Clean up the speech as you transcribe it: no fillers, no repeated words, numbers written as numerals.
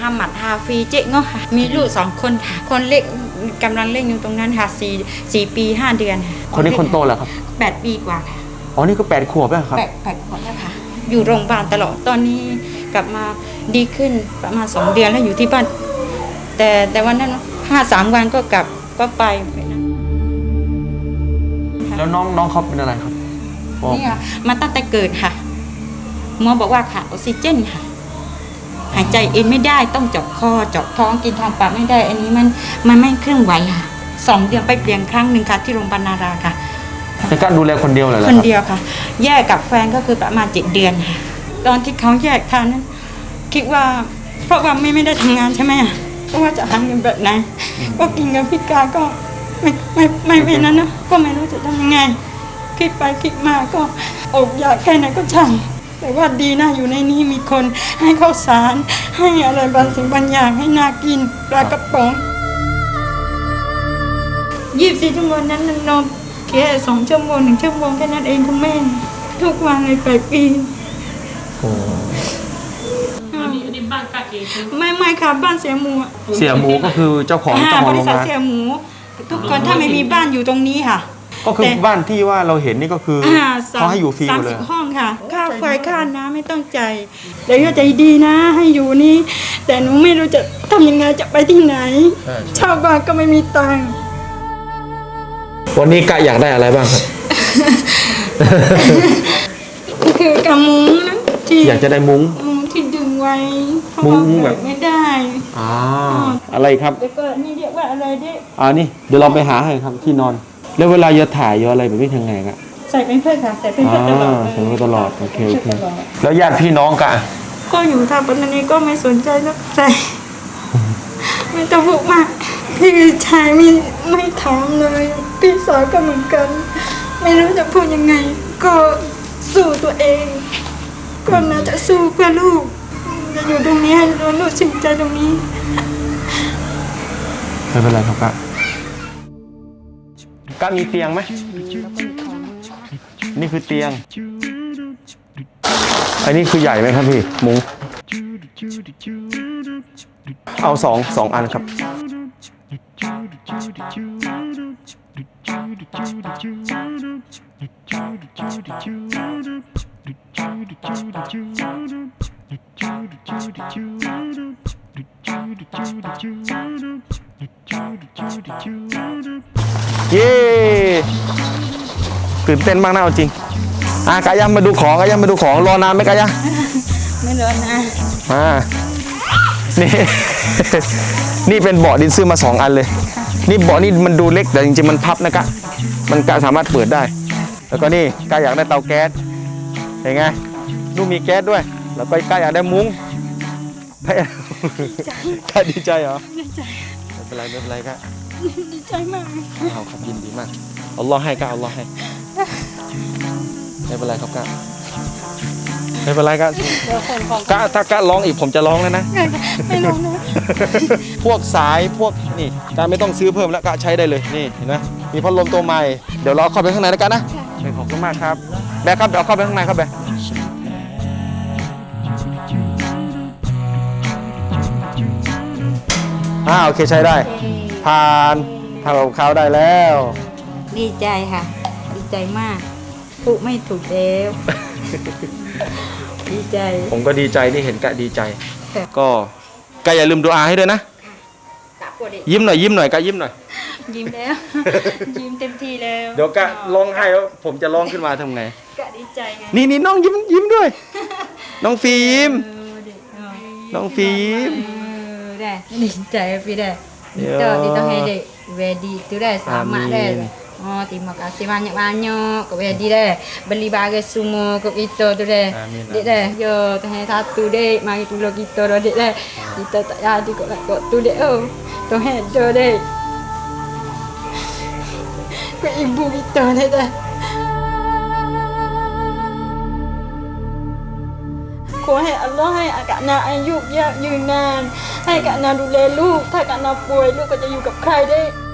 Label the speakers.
Speaker 1: มัดฮาฟีเจ๊งค่ะมีลูก2 คนค่ะคนเล็กกำลังเล่นอยู่ตรงนั้นค่ะ4 ปี 5 เดือน
Speaker 2: คนนี้คนโตเหรอครับ
Speaker 1: 8 ปีกว่าค่ะ
Speaker 2: อ๋อนี่ก็8 ขวบแล้วครับ
Speaker 1: 8 ขวบแล้วค่ะอยู่โรงพยาบาลตลอดตอนนี้กลับมาดีขึ้นประมาณ2 เดือนแล้วอยู่ที่บ้านแต่วันนั้น3 วันก็กลับก็ไป
Speaker 2: แล้วน้องเขาเป็นอะไรครับ
Speaker 1: นี่ค่ะมาตั้งแต่เกิดค่ะหมอบอกว่าขาดออกซิเจนค่ะหายใจเองไม่ได้ต้องเจาะคอเจาะท้องกินทางปากไม่ได้อันนี้มันไม่เคลื่อนไหวค่ะ2 เดือนไปเปลี่ยนครั้งหนึ่งค่ะที่โรงพยาบาลนาราค่ะ
Speaker 2: เป็นการดูแลคนเดียวเลยเหรอ
Speaker 1: คนเดียวค่ะแยกกับแฟนก็คือประมาณ7 เดือนค่ะตอนที่เขาแยกทางนั้นคิดว่าเพราะว่าไม่ได้ทำงานใช่ไหมว่าจะหาเงินแบบไหนก็กินกับพิการก็ไม่นั้นนะก็ไม่รู้จะทำยังไงคิดไปคิดมาก็อดอยากแค่ไหนก็ช่างแต่ว่าดีนะอยู่ในนี้มีคนให้ข้าวสารให้อะไรบางสิ่งบางอย่างให้นากินปลากระป๋อง24 ชั่วโมงนั้นนอนแค่2 ชั่วโมง1 ชั่วโมงแค่นั้นเองคุณแม่ทุกวันเลย8 ปี
Speaker 2: โอ้
Speaker 3: อันนี้บ้านกะเอง
Speaker 1: ไม่ค่ะบ้านเสียหมู
Speaker 2: ก็คือเจ้าของ
Speaker 1: บริษัทเสียหมูทุกคนถ้าไม่มีบ้านอยู่ตรงนี้ค่ะ
Speaker 2: ก็คือบ้านที่ว่าเราเห็นนี่ก็คือเขาให้อยู่ฟรีหมดเลย
Speaker 1: 30 ห้องค่ะค่าไฟค่าน้ำไม่ต้องจ่ายเดี๋ยวใจดีนะให้อยู่นี่แต่หนูไม่รู้จะทำยังไงจะไปที่ไหนชาวบ้านก็ไม่มีตังค์
Speaker 2: วันนี้กะอยากได้อะไรบ้างครับ
Speaker 1: คือกำมุ้งนะที่
Speaker 2: อยากจะได้มุ้ง
Speaker 1: ที่ดึงไว้มุ้งแบบไม่ได้
Speaker 2: อะไรครับ
Speaker 1: แล้วก็นี่เรียกว่าอะไรดิ
Speaker 2: นี่เดี๋ยวเราไปหาให้ครับที่นอนแล้วเวลาจะถ่ายอะไรแบบนี้ทางไงอะ
Speaker 1: ใส่เป็นเพื่อนค่ะใส่เป็นเพื่อนตลอด
Speaker 2: ใส่เป็นตลอดโอเคแล้วญาติพี่น้องกะ
Speaker 1: ก็อยู่ทางปัตตานีก็ไม่สนใจนักใจไม่ต้องพูดมากพี่ชายไม่ถามเลยพี่สาวก็เหมือนกันไม่รู้จะพูดยังไงก็สู้ตัวเองก็น่าจะสู้เพื่อลูกจะอยู่ตรงนี้ให้ลูกสิ่งใจตรงนี้
Speaker 2: ไม่เป็นไรครับกะมีเตียงไหมนี่คือเตียงอันนี้คือใหญ่ไหมครับพี่มุ้งเอา2 อันครับเย้ตื่นเต้นมากนะเอาจริงกายมาดูของรอนานไหมกาย
Speaker 1: ไม่รอนาน
Speaker 2: นี่ นี่เป็นเบาะดินซื้อมา2 อันเลยนี่เบาะนี่มันดูเล็กแต่จริงๆมันพับนะกะมันกะสามารถเปิดได้แล้วก็นี่กายอยากได้เตาแก๊สเห็นไงลูกมีแก๊สด้วยแล้วก็กายอยากได้มุ้งกายดีใจเหรอ
Speaker 1: ดีใจ
Speaker 2: ไม่เป็นไรกะ
Speaker 1: ดีใจมาก
Speaker 2: ครับยินดีมากอัลลอฮ์ให้กะอัลลอฮ์ให้ไม่เป็นไรครับกะไม่เป็นไรกะถ้ากะร้องอีกผมจะร้องแล้วนะ
Speaker 1: ไม่ร้องนะ
Speaker 2: พวกสายพวกนี่กะไม่ต้องซื้อเพิ่มแล้วกะใช้ได้เลยนี่เห็นไหมมีพัดลมตัวใหม่เดี๋ยวเราเข้าไปข้างในแล้วกันนะขอบคุณมากครับแบกครับเดี๋ยวเข้าไปข้างในครับแบกโอเคใช้ได้ผ่านทำกับข้าวได้แล้ว
Speaker 1: ดีใจค่ะดีใจมากพูดไม่ถูกแล้วดีใจ
Speaker 2: ผมก็ดีใจที่เห็นกะดีใจก็กะอย่าลืมดูอาให้ด้วยนะยิ้มหน่อยกะยิ้มหน่อย
Speaker 1: ยิ้มแล้วยิ้มเต็มที่แล้ว
Speaker 2: เดี๋ยวกะร้องไห้แล้วผมจะร้องขึ้นมาทำไง
Speaker 1: กะดีใจไง
Speaker 2: นี่น้องยิ้มด้วยน้องฟิล์มน้องฟิล์ม
Speaker 1: ได้ดีใจพี่ได้dito hede ready tu dah selamat dah terima kasih banyak-banyak kau ready dah beli barang semua kau kita tu dah dek dah yo teh satu dek mari tolong kita dah dek dah kita tak jadi kau tu dek tu hede dek kau ibu kita dah ขอให้อัลลอฮ์ให้กะนาอายุยืนนานให้กะนาดูแลลูกถ้ากะนาป่วยลูกก็จะอยู่กับใครได้